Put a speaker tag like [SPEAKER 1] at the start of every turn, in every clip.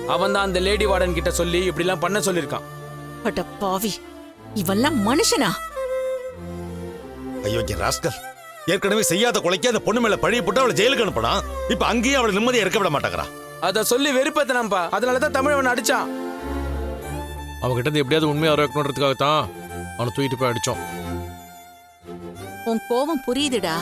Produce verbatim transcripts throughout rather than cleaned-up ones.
[SPEAKER 1] அவன் தான் அந்த லேடி வார்டன் கிட்ட சொல்லி இப்படி எல்லாம் பண்ண சொல்லிருக்கான்.
[SPEAKER 2] அட பாவி, இவெல்லாம் மனுஷனா?
[SPEAKER 3] ஐயோ ராஸ்கல், ஏற்கனவே செய்யாத கொலைக்கு அந்த பொண்ணு மேல பழிய போட்டு அவளை ஜெயிலுக்கு அனுப்பினா இப்ப அங்கேயே அவளை நிம்மதியா இருக்க விட மாட்டாங்கறா.
[SPEAKER 1] அத சொல்லி வெறுப்பேத்தனம்பா. அதனாலதான் தமிழவன் அடிச்சான்.
[SPEAKER 4] அவன்கிட்ட இருந்து எப்படியாவது உண்மையை இருக்கணுன்றதுக்காகத்தான் அவனை தூக்கிட்டு போய் அடிச்சோம்.
[SPEAKER 2] உன் கோவம் புரியுதுடா.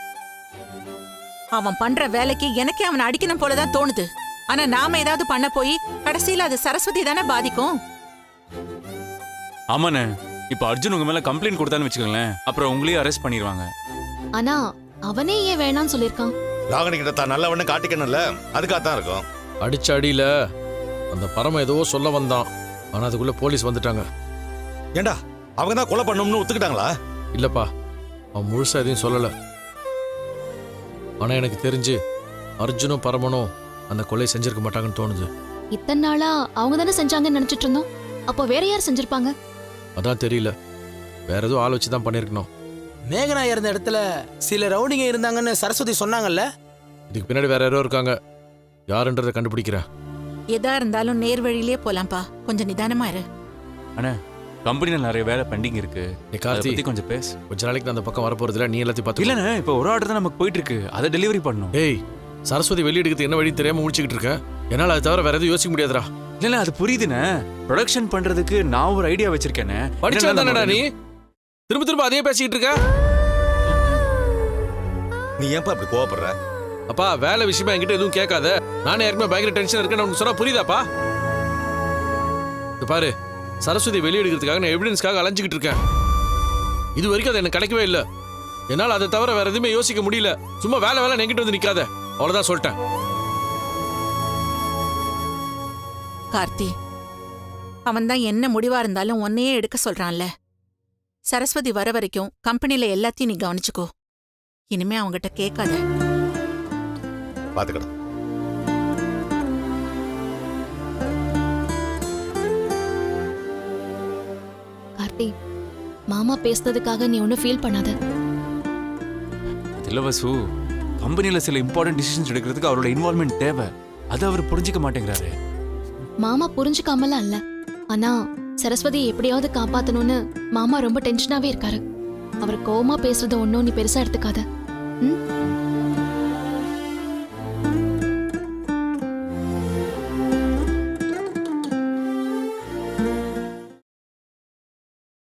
[SPEAKER 2] அவன் பண்ற வேலைக்கு எனக்கே அவனை அடிக்கணும் போலதான் தோணுது. ஆனா நாம ஏதாவது பண்ண போய் கடைசியில அது சரஸ்வதி தானே பாதிக்கும்.
[SPEAKER 5] ஆமாண்ணே, இப்ப அர்ஜுன் உங்க மேல கம்ப்ளைண்ட் கொடுத்தான்னு வச்சுக்கோங்களேன், அப்புறம் உங்களையும் அரெஸ்ட் பண்ணிடுவாங்க.
[SPEAKER 6] ஆனா அவனே ஏன் வேணான்னு சொல்லிருக்கான்?
[SPEAKER 3] ராகணி கிட்ட தான் நல்லவன்னு காட்டிக்கணும்ல, அதுக்காகத்தான் இருக்கும்.
[SPEAKER 4] அடிச்ச அடியில அந்த பரம ஏதோ சொல்ல வந்தான். ஆனா அதுக்குள்ள போலீஸ் வந்துட்டாங்க.
[SPEAKER 3] ஏண்டா அவங்க தான் கொலை பண்ணணும்னு ஒத்துக்கிட்டாங்களா?
[SPEAKER 4] இல்லப்பா, அவன் முழுசா எதையும் சொல்லல. ஆனா எனக்கு தெரிஞ்சு அர்ஜுனும் பரமனும் அந்த கொலை செஞ்சிருக்க மாட்டாங்கன்னு தோணுது.
[SPEAKER 6] இத்தனை நாளா அவங்க தானே செஞ்சாங்கன்னு நினைச்சிட்டு இருந்தோம். அப்போ வேற யார் செஞ்சிருப்பாங்க?
[SPEAKER 4] அதான் தெரியல. வேற ஏதோ ஆள் வச்சு தான் பண்ணிருக்கணும்.
[SPEAKER 1] மேகனா இருந்த இடத்துல சில ரவுடிங்க இருந்தாங்கன்னு சரஸ்வதி சொன்னாங்கல்ல.
[SPEAKER 4] இதுக்கு பின்னாடி வேற யாரோ இருக்காங்க. யாருன்றதை கண்டுபிடிக்கிறேன்.
[SPEAKER 2] எதா இருந்தாலும் நேர் வழியிலே போலாம்ப்பா. கொஞ்சம் நிதானமா இரு.
[SPEAKER 5] அண்ணா, கம்பெனில நிறைய வேலை பெண்டிங் இருக்கு.
[SPEAKER 4] நீ கார்த்தி
[SPEAKER 5] பத்தி கொஞ்சம் பேசு.
[SPEAKER 4] கொஞ்ச நாளைக்கு நான் அந்த பக்கம் வரப்போறது இல்ல. நீ எல்லாத்தையும் பார்த்து.
[SPEAKER 5] இல்லண்ணே, இப்ப ஒரு ஆர்டர் தான் நமக்கு போயிட்டு இருக்கு. அதை டெலிவரி பண்ணணும்.
[SPEAKER 4] ஏய், சரஸ்வதி வெளியெடுக்கிறது என்ன வழி தெரியாம முடிச்சுக்கிட்டு இருக்கேன். என்னால அதை தவிர வேற எதுவும் யோசிக்க முடியாதுடா.
[SPEAKER 5] இல்ல அது புரியுதுண்ணே. ப்ரொடக்ஷன் பண்றதுக்கு நான் ஒரு ஐடியா வச்சிருக்கேனே.
[SPEAKER 4] படிச்சா தானடா நீ திரும்ப திரும்ப அதே பேசிக்கிட்டு இருக்க.
[SPEAKER 3] நீ ஏன்பா அப்படி கோவப்படுற?
[SPEAKER 4] அப்பா, வேலை விஷயமா என்கிட்ட எதுவும் கேட்காத. நானே ஏற்கனவே பயங்கர டென்ஷன் இருக்கேன்னு உனக்கு சொன்னா புரியுதாப்பா? இது பாரு, சரஸ்வதி வெளியெடுக்கிறதுக்காக நான் எவிடன்ஸ்க்காக அலைஞ்சிக்கிட்டு இருக்கேன். இது வரைக்கும் அது எனக்கு கிடைக்கவே இல்லை. என்னால் அதை தவிர வேற எதுவுமே யோசிக்க முடியல. சும்மா வேலை வேலை என்கிட்ட வந்து நிக்காத. அவ்வளவுதான் சொல்லிட்டேன்.
[SPEAKER 2] கார்த்தி, அவன் தான் என்ன முடிவா இருந்தாலும் உன்னையே எடுக்க சொல்றான்ல. சரஸ்வதி வர வரைக்கும் கம்பெனில எல்லாத்தையும் நீ கவனிச்சுக்கோ. இனிமே அவங்கிட்ட கேட்காத.
[SPEAKER 3] பாத்துக்கடா.
[SPEAKER 6] கார்த்தி, மாமா பேசுனதுக்காக நீ ஒன்னும் ஃபீல் பண்ணாத.
[SPEAKER 5] இல்ல வசு, கம்பெனில சில இம்பார்ட்டன்ட் டிசிஷன்ஸ் எடுக்கிறதுக்கு அவரோட இன்வால்வ்மெண்ட் தேவை. அதை அவர் புரிஞ்சுக்க மாட்டேங்கிறாரு.
[SPEAKER 6] மாமா புரிஞ்சுக்காமலாம் இல்ல. ஆனா சரஸ்வதியை எப்படியாவது காப்பாத்தணும்னு மாமா ரொம்ப டென்ஷனாவே இருக்காரு. அவர் கோவமா பேசுறத ஒன்னும் நீ பெருசா எடுத்துக்காத. ம்